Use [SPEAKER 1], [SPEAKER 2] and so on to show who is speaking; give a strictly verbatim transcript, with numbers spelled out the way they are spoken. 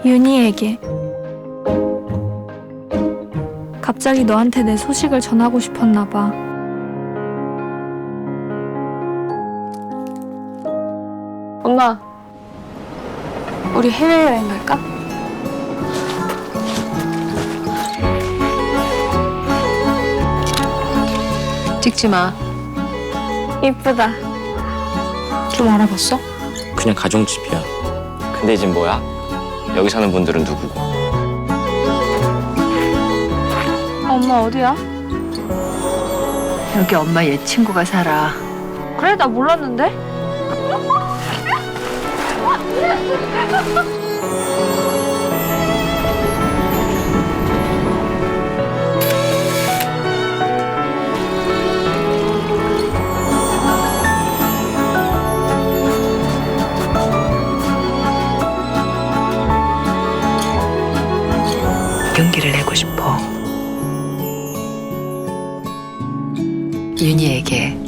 [SPEAKER 1] 윤희에게. 갑자기 너한테 내 소식을 전하고 싶었나 봐. 엄마, 우리 해외여행 갈까?
[SPEAKER 2] 찍지 마.
[SPEAKER 1] 이쁘다.
[SPEAKER 2] 좀 알아봤어?
[SPEAKER 3] 그냥 가정집이야. 근데 이젠 뭐야? 여기 사는 분들은 누구고?
[SPEAKER 1] 엄마 어디야?
[SPEAKER 2] 여기 엄마 옛 친구가 살아.
[SPEAKER 1] 그래, 나 몰랐는데?
[SPEAKER 2] 용기를 내고 싶어. 윤희에게